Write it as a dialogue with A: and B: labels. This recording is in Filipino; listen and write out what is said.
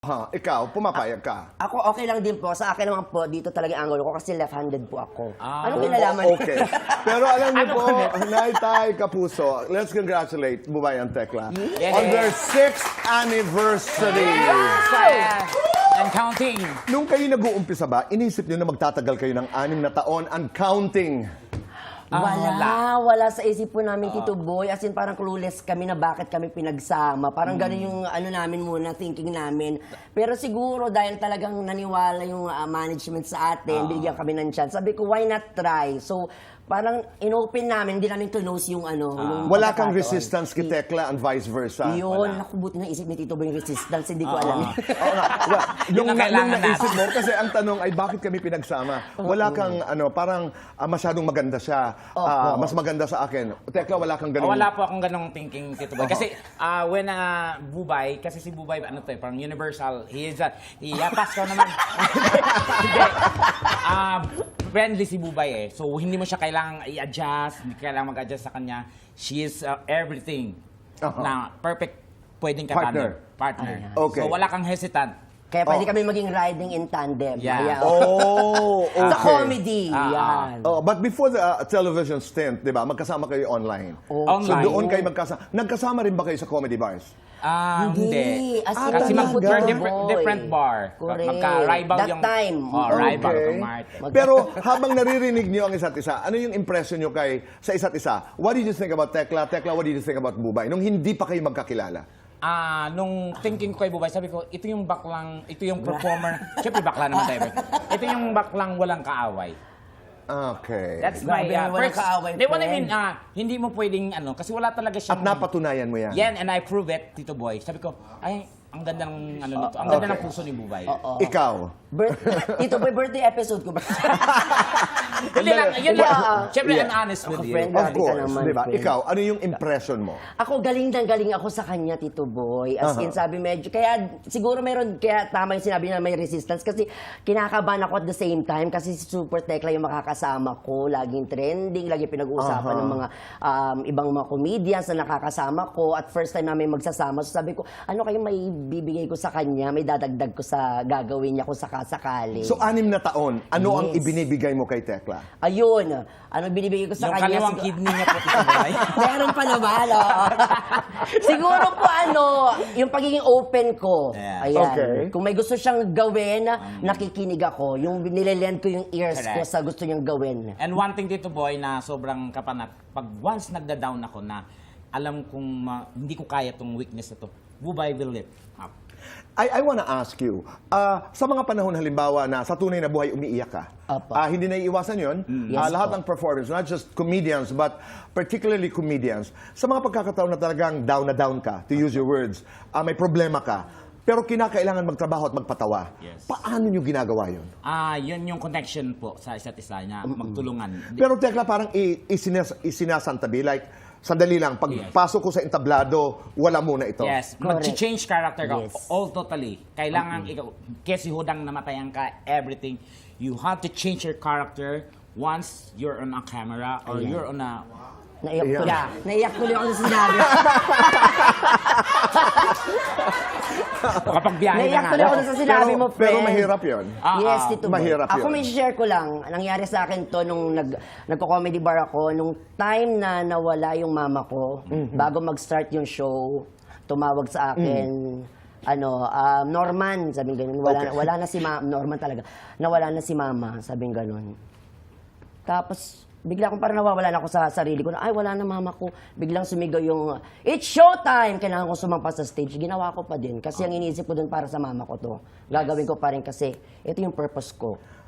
A: Ha, ikaw, pumapayag ka.
B: Ako okay lang din po. Sa akin naman po, dito talaga ang angulo ko kasi left-handed po ako. Anong
A: Oh,
B: kinalaman?
A: okay. Pero alam niyo po, Nay Tay Kapuso, let's congratulate Bubayan Tekla on their 6th anniversary.
C: And counting.
A: Nung kayo nag-uumpisa ba, inisip niyo na magtatagal kayo ng 6 na taon and counting?
B: Wala sa isip po namin, Tito Boy. As in, parang clueless kami na bakit kami pinagsama. Parang gano'n yung ano namin muna, thinking namin. Pero siguro, dahil talagang naniwala yung management sa atin, binigyan kami ng chance. Sabi ko, why not try? So, parang in-open namin, hindi namin close yung ano. Yung
A: Wala kang
B: pagkakataon.
A: resistance kay Tekla and vice versa?
B: Yun, naku, buti na isip ni Tito Boy yung resistance, hindi ko alam.
A: Oo nga.
C: Yun ang kailangan
A: naisip mo, kasi ang tanong ay bakit kami pinagsama? Wala kang, parang masyadong maganda siya. Mas maganda sa akin. Tekla, wala kang ganun.
C: Wala po akong ganong thinking, Tito Boy. Kasi when Bubay, kasi si Bubay, ano to, parang universal, he is yapas ko naman. Hindi. Friendly si Bubay eh. So, hindi mo siya kailangang i-adjust, hindi kailangang mag-adjust sa kanya. She is everything na perfect pwedeng
A: Partner.
C: Partner.
A: Okay.
C: So, wala kang hesitant.
B: Kaya pwede kami maging riding in tandem.
C: Yeah.
B: Ayan.
A: Okay.
B: Sa comedy. Yan.
A: Oh, but before the television stint, di ba, magkasama kayo online.
C: Online.
A: So doon kayo magkasama. Nagkasama rin ba kayo sa comedy bars?
B: Hindi. As in,
C: Kasi
A: talaga?
C: we're
B: Boy.
C: different bar.
B: Correct.
C: Magka-rival
B: That
C: yung...
B: time.
C: Rival
A: Okay.
C: kang Martin.
A: Pero habang naririnig niyo ang isa't isa, ano yung impression niyo sa isa't isa? What did you think about Tekla? Tekla, what did you think about Bubay? Nung hindi pa kayo magkakilala?
C: Nung thinking ko kay Bubay, sabi ko, ito yung baklang, ito yung performer. Siyempre bakla naman tayo. Ito yung baklang walang kaaway.
A: Okay.
C: That's my
B: Grabe, walang kaaway,
C: Di, what I
B: friend.
C: mean, hindi mo pwedeng, kasi wala talaga siya.
A: At napatunayan mo yan?
C: Yan, and I prove it, Tito Boy. Sabi ko, ay, ang ganda ng, nito, ang ganda ng puso ni Bubay.
A: Ikaw?
B: Tito Boy, birthday episode ko ba?
C: Hindi lang, yun lang. Siyempre,
A: Yeah.
C: I'm honest with you.
B: friend.
A: Of
B: Grabe ka
A: course,
B: naman,
A: di ba?
B: friend.
A: Ikaw, ano yung impression mo?
B: Ako, galing ako sa kanya, Tito Boy. As in, sabi medyo, kaya siguro kaya tama yung sinabi na may resistance kasi kinakabahan ako at the same time kasi si Super Tekla yung makakasama ko. Laging trending, laging pinag-uusapan ng mga ibang mga comedians na nakakasama ko. At first time namin magsasama, so sabi ko, ano kayo may bibigay ko sa kanya, may dadagdag ko sa gagawin niya kung sakasakali.
A: So, 6 na taon, ano ang
B: Yes.
A: ibinibigay mo kay Tekla?
B: Ayun, ano binibigay ko sa
C: Yung
B: kanya?
C: kaliwang kidney niya po, Tito Boy.
B: Meron pa naman, siguro po yung pagiging open ko.
C: Yeah.
B: Ayan.
A: Okay.
B: Kung may gusto siyang gawin, nakikinig ako. Yung nililend ko yung ears ko
C: Correct.
B: sa gusto niyang gawin.
C: And one thing, Tito Boy, na sobrang kapanat, pag once nagda-down ako na alam kong hindi ko kaya tong weakness na to, Bubay will lift up.
A: I wanna ask you, sa mga panahon halimbawa na sa tunay na buhay umiiyak ka,
B: Apo.
A: hindi naiiwasan yun,
B: Yes,
A: lahat
B: po.
A: ng performers, not just comedians, but particularly comedians, sa mga pagkakataon na talagang down na down ka, to use your words, may problema ka, pero kinakailangan magtrabaho at magpatawa.
C: Yes.
A: Paano nyo ginagawa yun?
C: Yun yung connection po sa isa't isa na magtulungan.
A: Pero Tekla, parang isinasantabi, like, sandali lang, pagpasok ko sa entablado, wala muna ito.
C: Yes,
B: Correct.
C: mag-change character ka.
B: Yes.
C: All totally. Kailangan ikaw, kasi hudang namatayan ka, everything. You have to change your character once you're on a camera or you're on a...
B: Naiyak ko
A: Yeah.
B: Naiyak tuloy ako sa sinabi.
C: Kapag biyahe na
B: Naiyak
C: nga.
B: tuloy ako sa sinabi mo, friend.
A: Pero mahirap yun.
B: Yes, Tito Boy.
A: mahirap
B: Ako
A: yun.
B: may share ko lang. Nangyari sa akin to nung nagko-comedy bar ako. Nung time na nawala yung mama ko, bago mag-start yung show, tumawag sa akin, Norman, sabing ganun. Wala na si mama. Norman talaga. Nawala na si mama, sabing ganun. Tapos, bigla akong parang nawawala na ako sa sarili ko na, ay, wala na mama ko. Biglang sumigaw yung, it's showtime! Kailangan ko sumampa sa stage. Ginawa ko pa din. Kasi ang iniisip ko dun para sa mama ko to. Gagawin ko pa rin kasi ito yung purpose ko.